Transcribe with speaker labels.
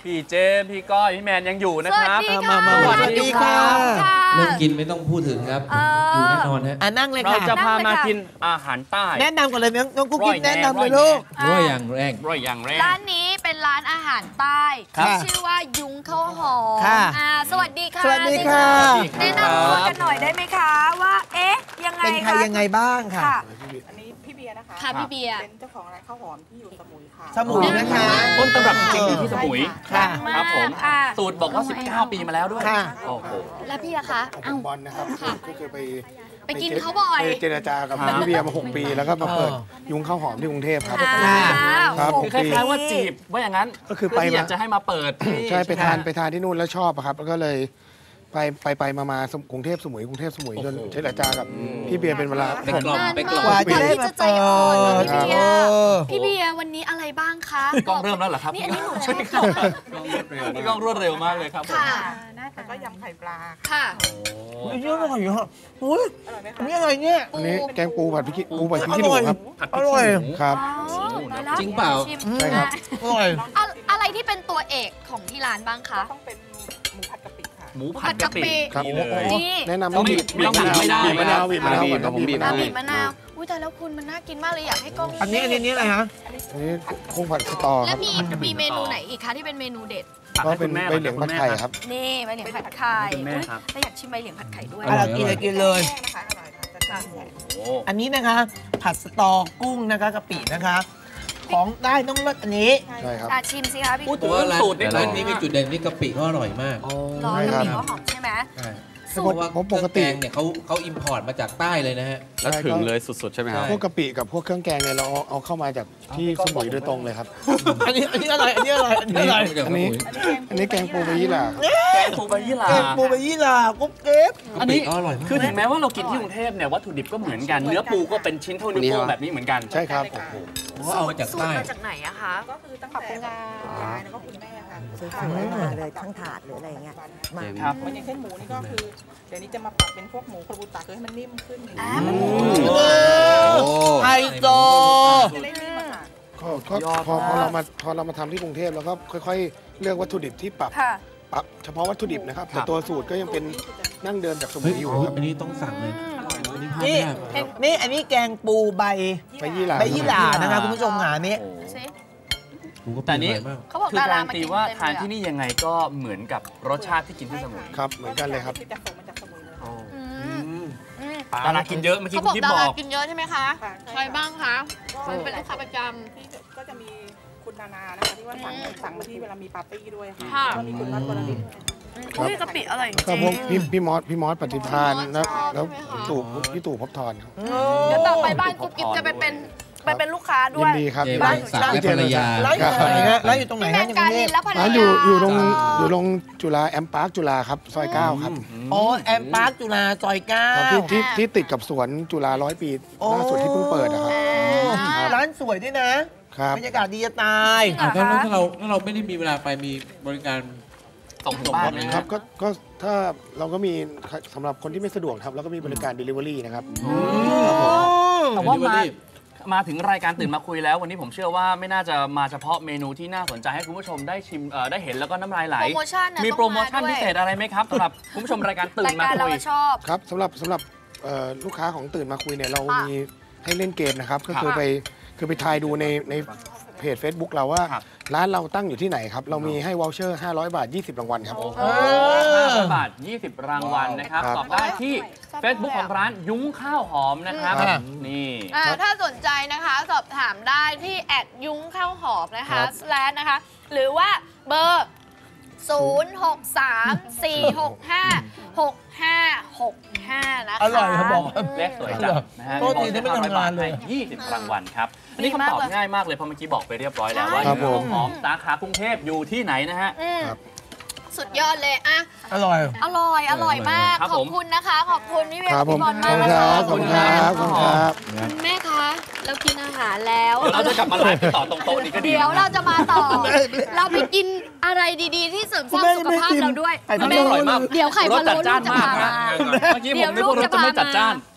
Speaker 1: พี่เจมส์พี่ก้อยพี่แมนยังอยู่นะครับ
Speaker 2: สวัสดีค่ะ
Speaker 3: เรื่องกินไม่ต้องพูดถึงครับอยู่แน่นอนฮะ
Speaker 2: นั่งเลย
Speaker 1: เรา
Speaker 2: ค่ะ
Speaker 1: จะพามากินอาหารใต้
Speaker 2: แนะนำก่อนเลยน้องกุ๊กกิ๊บแนะนำเลยลูก
Speaker 3: ร้อยอย่างแรง
Speaker 1: ร่อยอย่างแรก
Speaker 4: ร้านนี้เป็นร้านอาหารใต้
Speaker 2: ครับ
Speaker 4: ที่ชื่อว่ายุ้งข้าวหอม
Speaker 2: ค่ะ
Speaker 4: สวัสดีค่ะ
Speaker 2: สวัสดีค่ะ
Speaker 4: แนะนำตัวกันหน่อยได้ไหมคะว่าเอ๊ะยังไง
Speaker 2: เป็นใคร
Speaker 4: คะ
Speaker 2: ยังไงบ้างค่ะ
Speaker 4: ค่ะ
Speaker 5: อันนี้พี่เบียร์นะคะ
Speaker 4: ค่ะพี่เบียร์
Speaker 5: เป็นเจ้าของร้านข้าวหอมที่อยู่สมุยค่ะ
Speaker 2: สมุยนะคะ
Speaker 1: ต้นตำรับจริงอยู่ที่สมุย
Speaker 2: ค่ะ
Speaker 1: ครับผม
Speaker 4: อ่ะ
Speaker 1: สูตรบอกว่า 19 ปีมาแล้วด้วย
Speaker 2: ค่ะ
Speaker 1: โอ้โห
Speaker 4: แล้วพี่อะคะ
Speaker 6: ผมบอลนะครับก็คือไป
Speaker 4: ไปกินเขาบ่อย
Speaker 6: ไปเจรจากับพี่เบียร์มา 6 ปี แล้วก็มาเปิดยุ้งข้าวหอมที่กรุงเทพครับ ครับ
Speaker 1: คือคล้ายๆว่าจีบว่าอย่างนั้น
Speaker 6: ก็คือไป
Speaker 1: เพื่ที่อยากจะให้มาเปิดที่
Speaker 6: ใช่ไปทานที่นู่นแล้วชอบอะครับแล้วก็เลยไปมากรุงเทพสมุยจนเจรจากับพี่เบียร์เป็นเวลา
Speaker 3: ไปกล่อมไปกล่อม
Speaker 2: กว่าจะได้
Speaker 4: ที่
Speaker 2: มา
Speaker 4: จะใจอ่อนเนอะพี่เบียร์
Speaker 2: เออ
Speaker 4: พี่เบียร์วันนี้อะไรบ้างคะ
Speaker 1: กล้องเริ่มแล้วเหรอครับ
Speaker 4: นี่อันนี้หนูชอบ
Speaker 1: พี่กล้องรวดเร็วมากเลยครับผม
Speaker 4: ค่ะ
Speaker 5: แล้วก็ยำไข่ปลา
Speaker 4: ค่ะ
Speaker 2: อันนี้อร่อยเหรออุ้ย
Speaker 5: อร่อยไหม
Speaker 2: อั
Speaker 5: คะ
Speaker 2: นนี้อะไรเนี่ย
Speaker 6: อันนี้แกงปูผัดพริกขี้หนูครับ
Speaker 1: ผัดพ
Speaker 2: อ
Speaker 1: ริก
Speaker 2: ร่อย
Speaker 1: ขี้หมู
Speaker 6: ครับ
Speaker 3: จริงเปล่า
Speaker 6: ใช่ครับ
Speaker 2: อร่อย
Speaker 4: อะไรที่เป็นตัวเอกของที่ร้านบ้างคะ
Speaker 5: ต้องเป็นหมูผัดกะปิค่ะ
Speaker 1: หมูผัดกะปิ
Speaker 6: ครับ
Speaker 1: นี่เลย
Speaker 4: นี่
Speaker 6: แนะนำ
Speaker 1: ต้องบีบไม่ได้
Speaker 6: บีบมะนาวก่อน
Speaker 1: บีบ
Speaker 6: ต้องบีบมะ
Speaker 4: น้ำ
Speaker 6: นาว
Speaker 4: บีบมะนาว อุ้ยแต่แล้วคุณมันน่ากินมากเลยอยากให้กล้อง
Speaker 2: อันนี้อะไรฮะ
Speaker 6: อันนี้กุ้งผัดสตอค
Speaker 4: แล้
Speaker 6: รั
Speaker 4: ว
Speaker 6: บ
Speaker 4: มีเมนูไหนอีกคะที่เป็นเมนูเด็ด
Speaker 6: ก็เป็นใบเหลียงผัดไข่ครับ
Speaker 4: นี่ใบเหลียงผัดไข่
Speaker 1: คุณแม่ครับ
Speaker 4: แต่อยากชิมใบเหลียงผัดไข่ด้วย
Speaker 2: อะไรกินเลย
Speaker 5: แห้งนะคะ อร่อยค่ะจะทานแห้ง
Speaker 1: โอ้
Speaker 2: อันนี้นะคะ ผัดสตอกุ้งนะคะกะปินะคะ ของได้ต้องเลิศอันนี้
Speaker 6: ใช่ครับ
Speaker 4: ชิมสิคะพี่
Speaker 1: พูด
Speaker 3: เพ
Speaker 1: ถึง
Speaker 3: ราะว่าร้าน
Speaker 1: สูตรนิด
Speaker 3: ร้า
Speaker 1: นึ
Speaker 3: น
Speaker 1: ง
Speaker 3: นี้มีจุดเด่นที่กะปิเขาอร่อยมาก
Speaker 4: ร้อน
Speaker 6: ใช่
Speaker 4: กะ
Speaker 6: ครับ
Speaker 4: ปิก็หอมใช่ไหม
Speaker 3: ใช่
Speaker 4: สู
Speaker 3: เพ
Speaker 4: ตร
Speaker 3: ราะว่า
Speaker 6: ผมปกติ
Speaker 3: เครื่องแงเนี่ยเขาอิมพอร์ตมาจากใต้เลยนะฮะ
Speaker 7: แล้วถึงเลยสุดๆ ใช่ไหมครับ
Speaker 6: พวกกะปิกับพวกเครื่องแกงเนี่ยเราเอาเข้ามาจากที่สมุยโดยตรงเลยครับ
Speaker 2: อันนี้อะไรอันนี้อะไรอันนี้อะไร
Speaker 3: จาก
Speaker 6: อันนี้ อันนี้แกงปูใบยี่หร่า
Speaker 1: แกงปูใบยี่หร่า
Speaker 2: เก็บปูไปยี่หร่ากุ๊บเก็บ
Speaker 1: อันนี้
Speaker 3: อร่อยมาก
Speaker 1: คือถึงแม้ว่าเรากินที่กรุงเทพเนี่ยวัตถุดิบก็เหมือนกัน เนื้อปูก็เป็นชิ้นเท่านิ้วโป้งแบบนี้เหมือนกัน
Speaker 6: ใช่ครับ
Speaker 3: ผมว่าเอามาจาก
Speaker 4: สูต
Speaker 3: ใต้
Speaker 4: รมาจากไหนอะคะ
Speaker 5: ก็คือตั้งแต่คุณยายแล้วก็คุณแม่ค่ะ
Speaker 8: สวยๆมาเลยทั้งถาดหรืออะไรเงี้ยมา
Speaker 1: ครับ
Speaker 5: มันอย่างเช่นหมูนี่ก็คือ เดี๋ยวนี้จะมาปรับเป็นพวกหมูคาบูตะคือให้มันนิ่มขึ้น
Speaker 2: ไฮโซ
Speaker 5: จะได้นิ่มอะค่ะ
Speaker 6: ก็พอเรามาทำที่กรุงเทพแล้วก็ค่อยๆ เลือกวัตถุดิบที่ปรับเฉพาะวัตถุดิบนะครับแต่ตัวสูตรก็ยังเป็นนั่งเดิมจากสมุ
Speaker 3: เฮ้ย
Speaker 6: ยอยู่ครับ
Speaker 3: อันนี้ต้องสั่งเลยอันนี้พลาด
Speaker 2: นี่
Speaker 3: ไม่ได้
Speaker 2: นี่อันนี้แกงปูใบ
Speaker 6: ใบยี่หร่า
Speaker 2: ใบยี่หร่านะคะคุณผู้ชมหานี้
Speaker 4: สิ
Speaker 3: หมูกะปิ
Speaker 1: แต่นี่
Speaker 3: อร่อยมาก
Speaker 4: เขาบอก
Speaker 1: คือ
Speaker 4: ดา
Speaker 1: การ
Speaker 4: รา
Speaker 1: ัน
Speaker 4: มา
Speaker 1: ตี
Speaker 4: กิน
Speaker 1: ว่า
Speaker 4: เต็ม
Speaker 1: ทาน
Speaker 4: เลย
Speaker 1: ที่นี่ยังไงก็เหมือนกับรสชาติที่กินที่สมุย
Speaker 6: ครับเหมือนกันเลยครับ
Speaker 5: ที่จะส่งมาจากสมุยเลย
Speaker 4: อืม
Speaker 1: ดารากินเยอะเมื่อกี้
Speaker 4: เขา
Speaker 1: คุ
Speaker 4: บอ
Speaker 1: ณ
Speaker 4: ก
Speaker 1: กิ๊บ
Speaker 4: ดา
Speaker 1: บ
Speaker 4: รา
Speaker 1: อก
Speaker 4: กินเยอะใช่ไหมคะ
Speaker 5: ค่ะ
Speaker 4: ใครบ้างคะมันเป็นลูกค้าประจ
Speaker 5: ที่ก็จะมีคุณนานานะคะที่ว่าสั่งมาที่เวลามีปาร์ตี้ด้วยค่ะ
Speaker 4: ค่ะ
Speaker 5: แล้วก็มีคุณวัดวรลิศ
Speaker 4: ำอุ้ยกะปิอร่อยจริง
Speaker 6: ก็พวกพี่มอสปฏิพานแล้วพี่ตู่ภพบทรครับ
Speaker 4: เดี๋ยวต่อไปบ้านกุ๊บกิ๊บจะไปเป็นลูกค้าด้
Speaker 6: ยิ
Speaker 4: วน ย
Speaker 6: ดีครับ
Speaker 3: เจ
Speaker 6: ยิน
Speaker 3: บ้า
Speaker 6: ดี
Speaker 3: นศักดิ์และภรรยา
Speaker 2: ร้านอยู่ตรงไหนฮะร้านอยู่ตรงไหน
Speaker 4: พี่แม
Speaker 2: ฮะ
Speaker 4: น
Speaker 2: ในก
Speaker 4: กา
Speaker 2: รุงเท
Speaker 4: ลิ
Speaker 2: พ
Speaker 4: นและภรร
Speaker 6: ร้าน
Speaker 4: ยา
Speaker 6: อยู่ตรงจุฬาแอมพาร์คจุฬาครับซอย 9 ครับ
Speaker 2: อ๋อแอมพาร์คจุฬาซอย
Speaker 6: ครับ
Speaker 2: 9
Speaker 6: ที่ติดกับสวนจุฬา100 ปีล่าสุดที่เพิ่งเปิดนะครับ
Speaker 2: ร้านสวยด้วยนะครับ บรรยากาศดีจะตาย
Speaker 3: ถ้าเราไม่ได้มีเวลาไปมีบริการ
Speaker 1: ส่งถึงบ้านเลย
Speaker 6: ครับก็ถ้าเราก็มีสำหรับคนที่ไม่สะดวกครับเราก็มีบริการ Delivery นะครับครับผม
Speaker 1: แต่ว่า
Speaker 3: Delivery
Speaker 1: มาถึงรายการตื่นมาคุยแล้ว วันนี้ผมเชื่อว่าไม่น่าจะมาเฉพาะเมนูที่น่าสนใจให้คุณผู้ชมได้ชิมได้เห็นแล้วก็น้ำลายไหล
Speaker 4: โปรโมชั่นนะ
Speaker 1: มี
Speaker 4: ต้อง
Speaker 1: โปรโมชั่น
Speaker 4: มาด้วย
Speaker 1: พิเศษอะไรไหมครับสำหรับคุณผู้ชมรายการตื่
Speaker 4: ราน ย
Speaker 1: มา
Speaker 4: การเรา
Speaker 1: คุย
Speaker 4: ชอบ
Speaker 6: ครับสำหรับลูกค้าของตื่นมาคุยเนี่ยเรามีให้เล่นเกมนะครับ ก็คือไปทายดูในเพจ Facebook เราว่า
Speaker 1: ครับ
Speaker 6: ร้านเราตั้งอยู่ที่ไหนครับ เรามีให้วอลเชอร์500 บาท 20 รางวัลครับ
Speaker 1: 500 บาท 20 รางวัลนะครับ
Speaker 6: ครับ
Speaker 1: ตอบได้ที่ Facebook ของร้านยุ้งข้าวหอมนะครับ
Speaker 6: ครับ
Speaker 1: นี่
Speaker 4: ถ้าสนใจนะคะสอบถามได้ที่แอดยุ้งข้าวหอมนะ
Speaker 6: ครั
Speaker 4: คะ
Speaker 6: บ
Speaker 4: slash นะคะ หรือว่าเบอร์ 0634656565 นะคะ
Speaker 2: อร่อยครับบอก
Speaker 1: เลขสวยจังนะฮะ
Speaker 2: โทษทีที่ไม่ทำงานเลย
Speaker 1: 20 รางวัลครับ อันนี้คำตอบง่ายมากเลยเพราะเมื่อกี้บอกไปเรียบร้อยแล้ว
Speaker 4: ใช่
Speaker 1: ว่า
Speaker 6: ครับผม
Speaker 1: หอมสาขากรุงเทพอยู่ที่ไหนนะฮะ
Speaker 6: ครับ
Speaker 4: สุดยอดเลยอะ
Speaker 2: อร่อย
Speaker 4: อร่อยมาก
Speaker 1: ครับ
Speaker 4: ขอ
Speaker 1: ผ
Speaker 4: บ
Speaker 1: ม
Speaker 4: คุณนะคะ ขอบคุณพี่เวีย
Speaker 6: ครับผม
Speaker 4: พี่บอล
Speaker 6: ขอบ
Speaker 4: มาก
Speaker 6: คุณ
Speaker 4: นะ
Speaker 6: ค
Speaker 4: คะ
Speaker 6: รับขอบคุณครับขอบคุณครับ
Speaker 4: คุณแม่คะเรากินอาหารแล้ว
Speaker 1: เดี๋ยวเราจะกลับมาไลฟ์กันต่อตรงโต๊ะนี้ก็ดี
Speaker 4: เดี๋ยวเราจะมาต่อ เราไปกินอะไรดีๆ ที่เสริมสร้างสุขภาพเราด้วย
Speaker 2: ไข่พะ
Speaker 1: อัน
Speaker 2: โล้
Speaker 1: นี้อร่อยมาก
Speaker 4: เดี๋ยวไข่พะโล้
Speaker 1: รสจัดจ้าน
Speaker 4: ลูกจะ
Speaker 1: มาก
Speaker 4: พา
Speaker 1: ฮะ
Speaker 4: มา
Speaker 1: เมื่อกี้ผมนึกว่ารสจะไม่จัดจ้าน